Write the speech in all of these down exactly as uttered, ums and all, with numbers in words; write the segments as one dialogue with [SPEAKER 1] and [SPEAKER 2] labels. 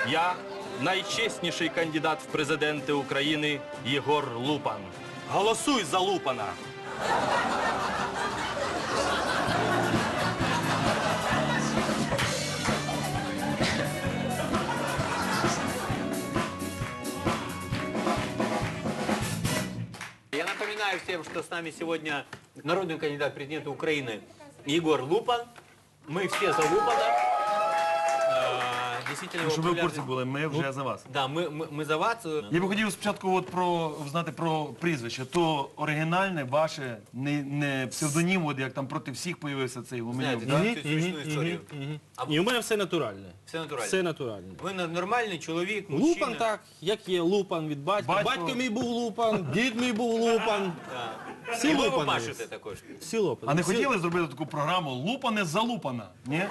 [SPEAKER 1] Я найчесніший кандидат в президенти України Єгор Лупан. Голосуй за Лупана!
[SPEAKER 2] Я напоминаю всем, что с нами сегодня народный кандидат в президенты Украины Егор Лупан. Мы все за Лупана. Э, Действительно, его
[SPEAKER 3] Щоб ви в
[SPEAKER 2] популярность-
[SPEAKER 3] курсі були, ми вже за вас.
[SPEAKER 2] Да, мы, мы, мы за вас.
[SPEAKER 3] Я би хотів спочатку от про, знати про прізвище. То оригінальне, ваше, не, не псевдонім, от як там проти всіх появився цей Гуменюк,
[SPEAKER 2] Знаете,
[SPEAKER 3] так?
[SPEAKER 2] да, эту смешную историю. А
[SPEAKER 4] І у мене все натуральне.
[SPEAKER 2] Все натурально.
[SPEAKER 4] Все натуральне.
[SPEAKER 2] Вы на- нормальный человек, мужчина.
[SPEAKER 4] Лупан так, як є Лупан від батька.
[SPEAKER 3] Батько-
[SPEAKER 4] Батько мій був Лупан, дід мій був Лупан.
[SPEAKER 2] Да.
[SPEAKER 4] Всі
[SPEAKER 2] И вы
[SPEAKER 4] Лупани.
[SPEAKER 2] пашете також.
[SPEAKER 4] Всі Лупани.
[SPEAKER 3] А не
[SPEAKER 4] Всі-
[SPEAKER 3] хотіли зробити таку програму «Лупане залупана»? Ні?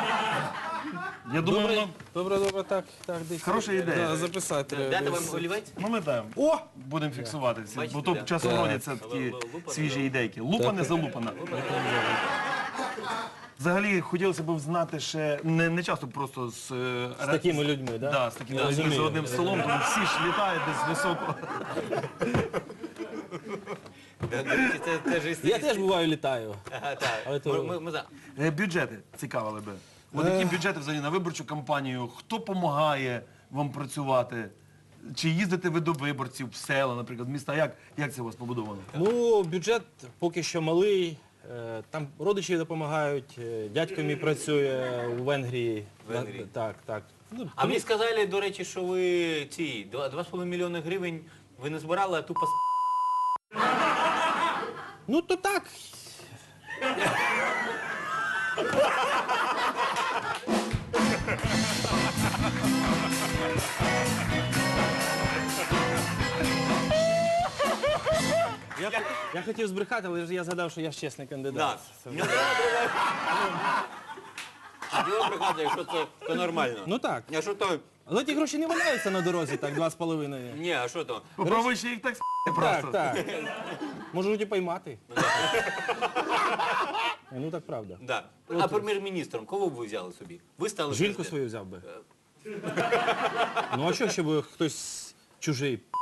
[SPEAKER 3] Я думаю,
[SPEAKER 4] Добре,
[SPEAKER 3] воно...
[SPEAKER 4] добре, добре, так, так, десь.
[SPEAKER 3] Хороша ідея.
[SPEAKER 4] Да, записати треба.
[SPEAKER 2] Дата вам
[SPEAKER 4] десь.
[SPEAKER 2] виливати?
[SPEAKER 3] Ну ми там
[SPEAKER 4] О!
[SPEAKER 3] будемо фіксувати, ці,
[SPEAKER 2] Бачите,
[SPEAKER 3] бо то
[SPEAKER 2] да?
[SPEAKER 3] часом
[SPEAKER 4] Так.
[SPEAKER 3] родяться такі
[SPEAKER 2] Лупане,
[SPEAKER 3] свіжі
[SPEAKER 2] да.
[SPEAKER 3] ідейки. Лупане залупана. Взагалі, хотілося б знати ще, не, не часто просто з... е,
[SPEAKER 4] З такими людьми, да?
[SPEAKER 3] Да, з такими
[SPEAKER 4] Да,
[SPEAKER 3] людьми за
[SPEAKER 4] розумію.
[SPEAKER 3] одним столом, тому всі ж літають десь високо.
[SPEAKER 2] Да, да, це- це ж
[SPEAKER 4] Я
[SPEAKER 2] історія.
[SPEAKER 4] теж буваю літаю.
[SPEAKER 2] Ага, так.
[SPEAKER 4] Але то-
[SPEAKER 2] Ми- ми- ми за.
[SPEAKER 3] Е, Бюджети цікавили би. От які бюджети взагалі на виборчу кампанію? Хто допомагає вам працювати? Чи їздите ви до виборців в села, наприклад, в міста? Як, як це у вас побудовано?
[SPEAKER 4] Ну, бюджет поки що малий. Е, Там родичі допомагають, е, дядько мій працює у Венгрії.
[SPEAKER 2] В Венгрії?
[SPEAKER 4] Так, так. Ну,
[SPEAKER 2] А мені сказали, до речі, що ви ці два два з половиною мільйони гривень ви не збирали, а тупо с-
[SPEAKER 4] Ну, то так. Я, я хотів збрехати, але ж я згадав, що я ж чесний кандидат.
[SPEAKER 2] Да. Не треба Діло брехати, якщо це, то нормально.
[SPEAKER 4] Ну так.
[SPEAKER 2] А що то?
[SPEAKER 4] Але ті гроші не валяються на дорозі, так, два з половиною.
[SPEAKER 2] Ні, а що то?
[SPEAKER 3] Попробуй ще їх так с**ти просто.
[SPEAKER 4] Так, так. Можуть і поймати. Ну так правда.
[SPEAKER 2] Да. А прем'єр-міністром кого б ви взяли собі? Ви стали
[SPEAKER 4] Жінку
[SPEAKER 2] президентом.
[SPEAKER 4] свою взяв би. Ну а що, щоб хтось чужий п***?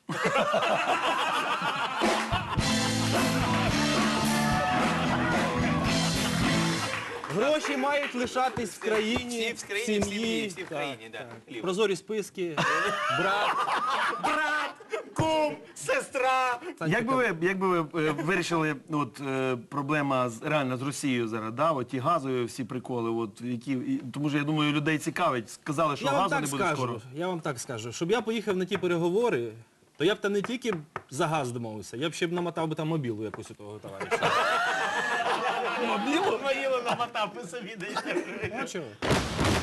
[SPEAKER 4] Гроші мають лишатись в країні,
[SPEAKER 2] Всі в країні, в сім'ї, всі в країні, да. Хліб.
[SPEAKER 4] Прозорі списки, брат.
[SPEAKER 2] Брат, кум, сестра.
[SPEAKER 3] Як би ви, як би ви е, вирішили от, е, проблема з, реально з Росією зараз, да? От ті газові всі приколи, от, які, і- тому що я думаю, людей цікавить. Сказали, що
[SPEAKER 4] Я вам
[SPEAKER 3] газу
[SPEAKER 4] так
[SPEAKER 3] не буде
[SPEAKER 4] скажу,
[SPEAKER 3] скоро.
[SPEAKER 4] я вам так скажу, щоб я поїхав на ті переговори, то я б там не тільки за газ домовився, я б ще б намотав би там мобілу якусь у того товариша.
[SPEAKER 2] Мобілу моїло намотав, ви собі даєте.
[SPEAKER 4] Ну чого?